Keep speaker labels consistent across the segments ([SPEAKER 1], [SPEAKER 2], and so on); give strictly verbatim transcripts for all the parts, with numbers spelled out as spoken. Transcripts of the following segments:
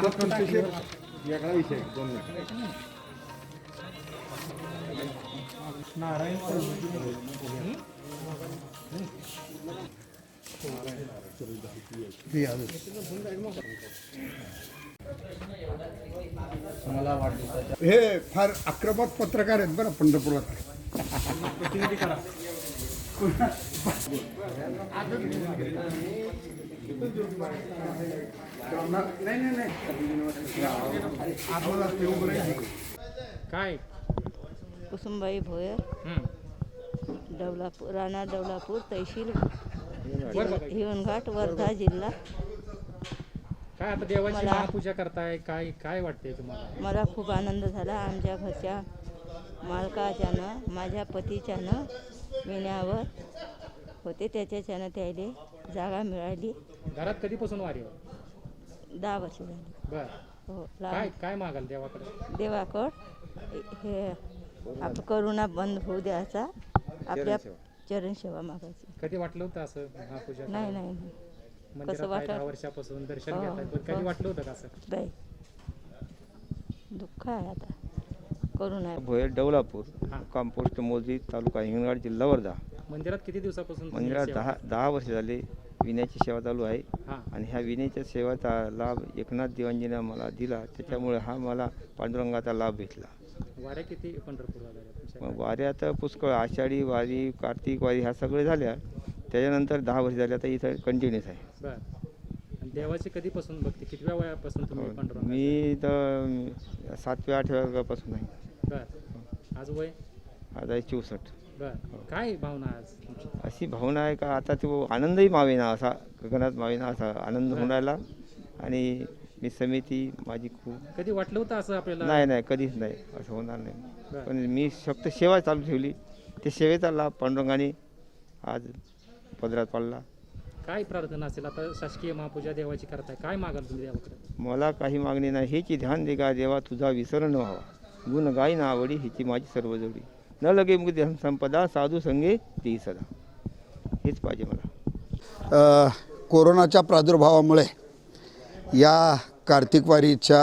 [SPEAKER 1] वेगळा विषय दोन मिनिट नारायण
[SPEAKER 2] हे फार आक्रमक पत्रकार आहेत बरं पंढरपुरात.
[SPEAKER 1] प्रतिनिधी करा. नाही नाही नाही काय
[SPEAKER 3] कुसुमबाई भोयर, डवलापूर, राणा डवलापूर, तहसील हिवणघाट, वर्धा जिल्हा.
[SPEAKER 1] काय आता देवाची महापूजा करताय, काय काय वाटते तुम्हाला?
[SPEAKER 3] मला खूप आनंद झाला. आमच्या घरच्या मालकाच्यानं, माझ्या पतीच्यानं विण्यावर होते, त्याच्याच्यानं त्याला जागा मिळाली.
[SPEAKER 1] घरात कधीपासून वारी आहे?
[SPEAKER 3] दहा वर्ष झाली.
[SPEAKER 1] बर
[SPEAKER 3] हो.
[SPEAKER 1] काय काय मागाल देवाकडे?
[SPEAKER 3] देवाकड हे आप करुणा बंद होऊ द्यायचा, आपल्या चरण सेवा मागायची.
[SPEAKER 1] कधी वाटलं होतं असं महापूजा?
[SPEAKER 3] नाही नाही नाही.
[SPEAKER 1] कसं वाटतं? दहा वर्षापासून दर्शन
[SPEAKER 3] हो,
[SPEAKER 1] घेताय, पण कधी वाटलं होतं का असं?
[SPEAKER 3] नाही. दुःख आहे आता. करुणा
[SPEAKER 4] भोयर, डवलापूर, कंपोस्ट मोजी, तालुका हिंगणघाट, जिल्हा वर्धा.
[SPEAKER 1] मंदिरात किती दिवसापासून?
[SPEAKER 4] मंदिरात दहा दहा वर्ष झाले विण्याची सेवा चालू आहे.
[SPEAKER 1] हां.
[SPEAKER 4] आणि ह्या विण्याच्या सेवेचा लाभ एकनाथ देवांजीनं मला दिला, त्याच्यामुळे हा मला पांडुरंगाचा लाभ भेटला.
[SPEAKER 1] वाऱ्या किती पंढरपूरला झाल्या तुमच्या?
[SPEAKER 4] मग वाऱ्या तर पुष्कळ, आषाढी वारी, कार्तिक वारी ह्या सगळे झाल्या. त्याच्यानंतर दहा वर्ष झाले आता इथं कंटिन्यूस आहे.
[SPEAKER 1] बरं. आणि देवाची कधीपासून भक्ती, कितव्या वयापासून तुम्ही पांडुरंग?
[SPEAKER 4] मी तर सातव्या आठव्या वर्गापासून आहे.
[SPEAKER 1] बरं. आज वय?
[SPEAKER 4] आज आहे चौसष्ट.
[SPEAKER 1] बरं. काय भावना आज तुमची?
[SPEAKER 4] अशी भावना आहे का आता तो आनंदही मावेना, असा गगनात मावेना असा आनंद होऊन राहिला. आणि मी समिती माझी खूप.
[SPEAKER 1] कधी वाटलं होतं असं आपल्याला?
[SPEAKER 4] नाही नाही कधीच नाही, असं होणार नाही.
[SPEAKER 1] बरं.
[SPEAKER 4] पण मी फक्त सेवा चालू ठेवली, ते सेवेचा लाभ पांडुरंगाने आज पदरात पाडला.
[SPEAKER 1] काय प्रार्थना असेल आता? शासकीय महापूजा देवाची करताय, काय मागाल तुम्ही देवाकडे?
[SPEAKER 4] मला काही मागणी नाही, हेची ध्यान दे का देवा, तुझा विसर न व्हावा, गुण गाई ना आवडी, हिची माझी सर्व जोडी, न लगे मुक्ती संपदा, साधू संगे ती सदा. हेच पाहिजे मला.
[SPEAKER 2] कोरोनाच्या प्रादुर्भावामुळे या कार्तिक वारीच्या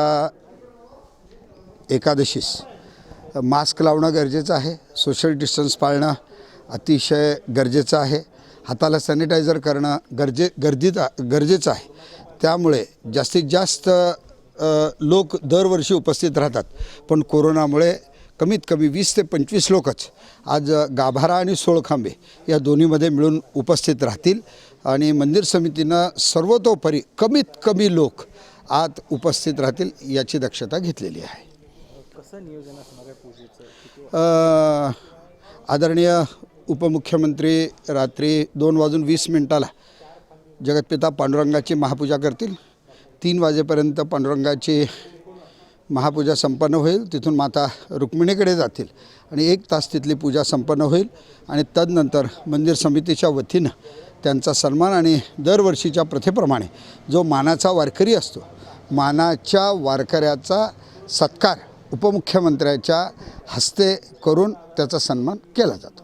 [SPEAKER 2] एकादशीस मास्क लावणं गरजेचं आहे, सोशल डिस्टन्स पाळणं अतिशय गरजेचं आहे, हाताला सॅनिटायझर करणं गरजे गर्दीचा गरजेचं आहे. त्यामुळे जास्तीत जास्त लोक दरवर्षी उपस्थित राहतात, पण कोरोनामुळे कमीत कमी वीस ते पंचवीस लोकच आज गाभारा आणि सोळखांबे या दोन्हीमध्ये मिळून उपस्थित राहतील. आणि मंदिर समितीनं सर्वतोपरी कमीत कमी लोक आत उपस्थित राहतील याची दक्षता घेतलेली आहे.
[SPEAKER 1] कसं नियोजन असणार आहे पूजेचं?
[SPEAKER 2] आदरणीय उपमुख्यमंत्री रात्री दोन वाजून वीस मिनिटाला जगतपिता पांडुरंगाची महापूजा करतील. तीन वाजेपर्यंत पांडुरंगाची महापूजा संपन्न होईल. तिथून माता रुक्मिणीकडे जातील आणि एक तास तिथली पूजा संपन्न होईल. आणि तदनंतर मंदिर समितीच्या वतीनं त्यांचा सन्मान आणि दरवर्षीच्या प्रथेप्रमाणे जो मानाचा वारकरी असतो, मानाच्या वारकऱ्याचा सत्कार उपमुख्यमंत्र्याच्या हस्ते करून त्याचा सन्मान केला जातो.